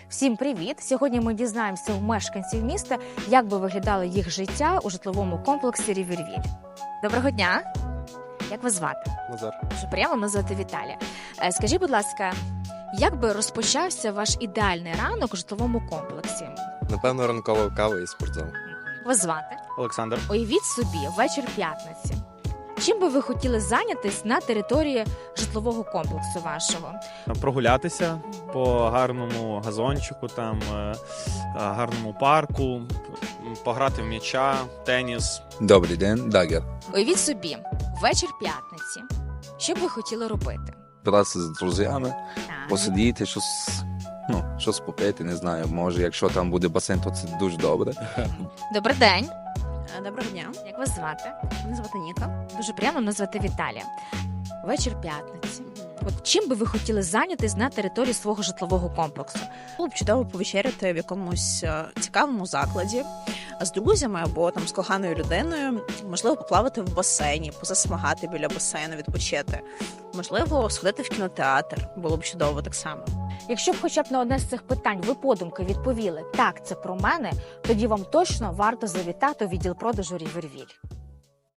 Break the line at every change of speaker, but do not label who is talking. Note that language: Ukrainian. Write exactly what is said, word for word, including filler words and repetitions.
Всім привіт! Сьогодні ми дізнаємося у мешканців міста, як би виглядало їх життя у житловому комплексі Рівервіль. Доброго дня! Як вас звати?
Назар.
Дуже приємно, мене звати Віталія. Е, Скажіть, будь ласка, як би розпочався ваш ідеальний ранок у житловому комплексі?
Напевно, ранкова кава і спортзал.
Вас звати?
Олександр.
Уявіть собі, вечір п'ятниці. Чим би ви хотіли зайнятись на території житлового комплексу вашого?
Прогулятися по гарному газончику, там е, гарному парку, пограти в м'яча, теніс.
Добрий день, Дагер.
Уявіть собі, вечір п'ятниці. Що б ви хотіли робити?
Збиратися з друзями,
Так.
посидіти, щось, ну, щось попити, не знаю. Може, якщо там буде басейн, то це дуже добре.
Добрий день.
Доброго дня,
Як вас звати?
мене звати Ніка.
Дуже приємно, мене звати Віталія. Вечір п'ятниці. От чим би ви хотіли зайнятись на території свого житлового комплексу?
Було б чудово повечеряти в якомусь е, цікавому закладі з друзями або там з коханою людиною. Можливо, поплавати в басейні, позасмагати біля басейну, відпочити. Можливо, сходити в кінотеатр. Було б чудово так само.
Якщо б хоча б на одне з цих питань ви подумки відповіли «так, це про мене», тоді вам точно варто завітати у відділ продажу Рівервіль.